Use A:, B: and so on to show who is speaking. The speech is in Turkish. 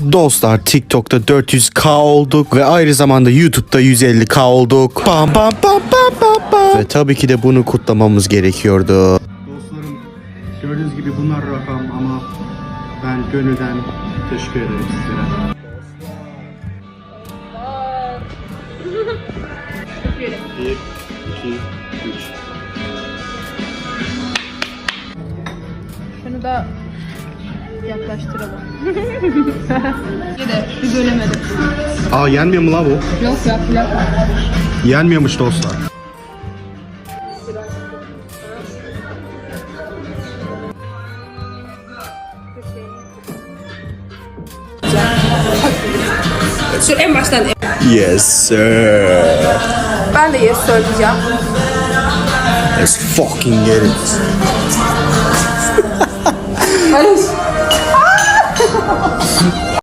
A: Dostlar TikTok'ta 400k olduk ve aynı zamanda YouTube'da 150k olduk. Bam bam bam bam bam bam. Ve tabii ki de bunu kutlamamız gerekiyordu.
B: Dostlarım, gördüğünüz gibi bunlar rakam ama ben gönülden teşekkür ederim sizlere. Bir, iki, üç.
C: Şunu da yaklaştıralım. Yine bir bölemedim.
B: Aa, yenmiyor mu la bu?
C: Yok ya, plak.
B: Yenmiyormuş dostlar.
C: Dur en baştan.
A: Yes sir.
C: Ben de yes söyleyeceğim.
A: Let's fucking get it.
C: Hayır.